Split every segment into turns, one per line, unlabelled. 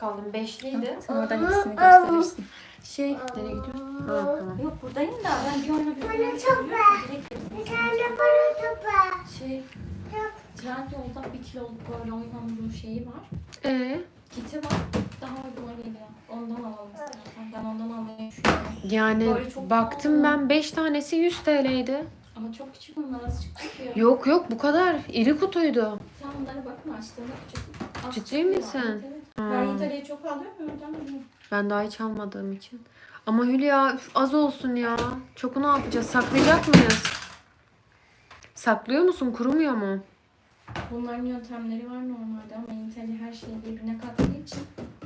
kaldım. 5'liydi.
Sen oradan ikisini gösterirsin.
Nereye gidiyorsun? Ha, tamam.
Yok buradayım da ben bir oyuna bir
Bana topa. Bir tane bana topa.
Trendyol'da 1 kiloluk böyle oyun hamuru şeyi var. Kiti var. Daha uygun geliyor. Ondan alalım istersen. Ben ondan almayı düşünüyorum.
Yani
Böyle çok
baktım
pahalı.
ben 5 tanesi 100 TL'ydi.
Ama çok küçük onlar az çıkıyor.
Yok yok bu kadar. İri kutuydu.
Sen bunlara bakma açtığında küçük. Az
Ciddi
çıkıyor.
misin?
Evet, evet. Ben İtalya'yı çok alıyorum ya oradan alıyorum.
Ben daha hiç almadığım için. Ama Hülya üf, az olsun ya. Çoku ne yapacağız? Saklayacak mıyız? Saklıyor musun? Kurumuyor mu?
Bunların yöntemleri var normalde ama İtalya her şeyi birbirine kattığı için.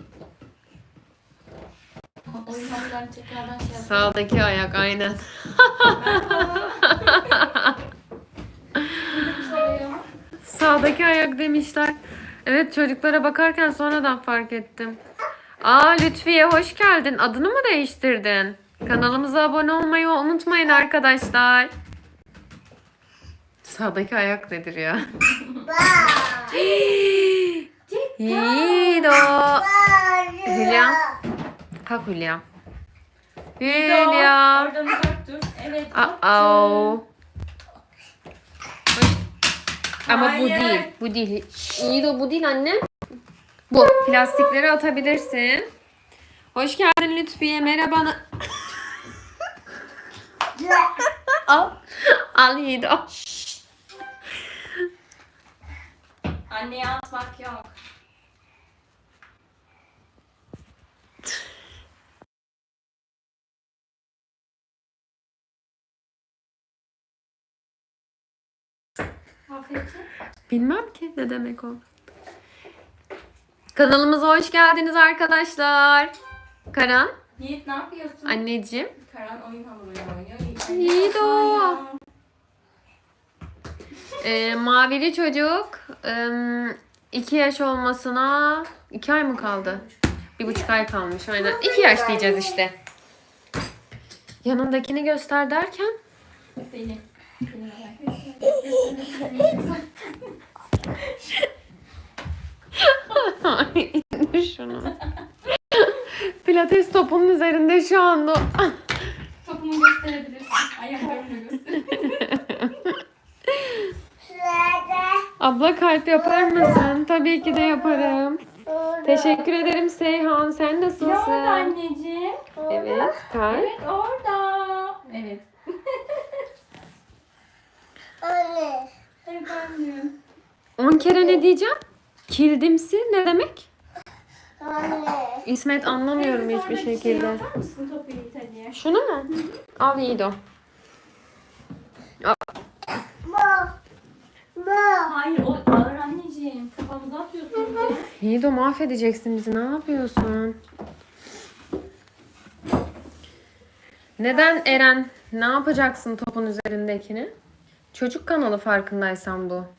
O yüzden ben tekrardan şey yapıyorum.
Sağdaki ayak aynen. Sağdaki ayak demişler. Evet çocuklara bakarken sonradan fark ettim. Lütfiye hoş geldin. Adını mı değiştirdin? Kanalımıza abone olmayı unutmayın arkadaşlar. Sağdaki ayak nedir ya? Yiğido. Hülya. Kalk Hülya. Hülya.
Oradan uzak dur. Evet.
Oh. Ama bu
Hayır.
değil. Bu değil. Yiğido bu değil anne. Bu. Plastikleri atabilirsin. Hoş geldin Lütfiye. Merhaba. Al. Al Yiğido.
Anneye atmak yok. Afiyet.
Bilmem ki ne demek o. Kanalımıza hoş geldiniz arkadaşlar. Karan.
Yiğit ne yapıyorsun?
Anneciğim.
Karan oyun hamuruyla oynuyor.
Yiğit o. Mavili çocuk 2 yaş olmasına 2 ay mı kaldı? 1,5 ay kalmış aynen. 2 yaş diyeceğiz işte. Yanındakini göster derken.
Beni.
Ay, indir şunu. Pilates topunun üzerinde şu anda.
Topumu gösterebilirsin. Ayaklarını gösterebilirsin.
Abla kalp yapar mısın? Tabii ki de yaparım. Teşekkür ederim Seyhan. Sen
Ne oldu
nasılsın?
anneciğim?
Evet, kalp.
Evet orada. Evet.
Anne.
Efendim.
10 kere ne diyeceğim? Kildimsi ne demek?
Anne.
İsmet anlamıyorum hiçbir
Sonraki şeyi
şekilde.
yapar mısın topu İtalya'ya?
Şunu mu? Al Yiğido.
Ma. Ma.
Hayır o ağır anneciğim. Kafamıza atıyorsun bizi.
Yiğido mahvedeceksin bizi. Ne yapıyorsun? Neden Eren? Ne yapacaksın topun üzerindekini? Çocuk kanalı farkındaysan bu.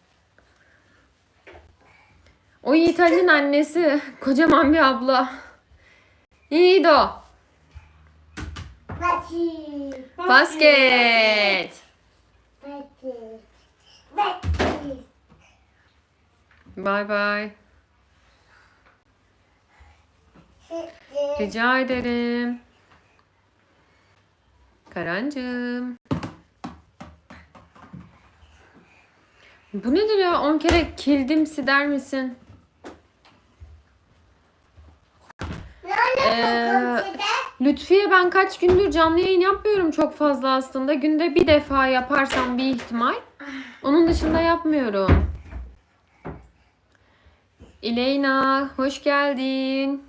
O Yiğit Ali'nin annesi. Kocaman bir abla. Yiğido.
Bati.
Basket.
Bati. Bati.
Bye bye. Rica ederim. Karancığım. Bu nedir ya? 10 kere kildimsi der misin? Lütfiye ben kaç gündür canlı yayın yapmıyorum çok fazla aslında. Günde bir defa yaparsam bir ihtimal. Onun dışında yapmıyorum. İleyna hoş geldin.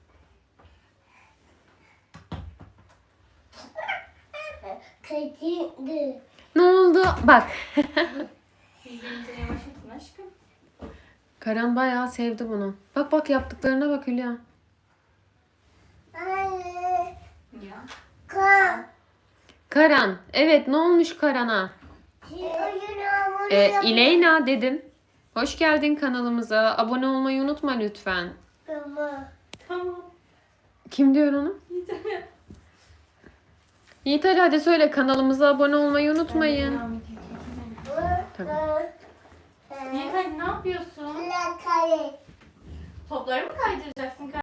Kaçırdı.
Ne oldu? Bak.
Birbirinize yavaşlatın aşkım.
Karan bayağı sevdi bunu. Bak bak yaptıklarına bak Hülya.
Anne.
Ya.
Kan.
Karan. Evet ne olmuş Karan'a? İleyna dedim. Hoş geldin kanalımıza. Abone olmayı unutma lütfen.
Tamam.
Kim diyor onu? Yiğit Ali hadi söyle kanalımıza abone olmayı unutmayın. Tabii.
Yiğit hadi ne yapıyorsun? Topları mı kaydıracaksın?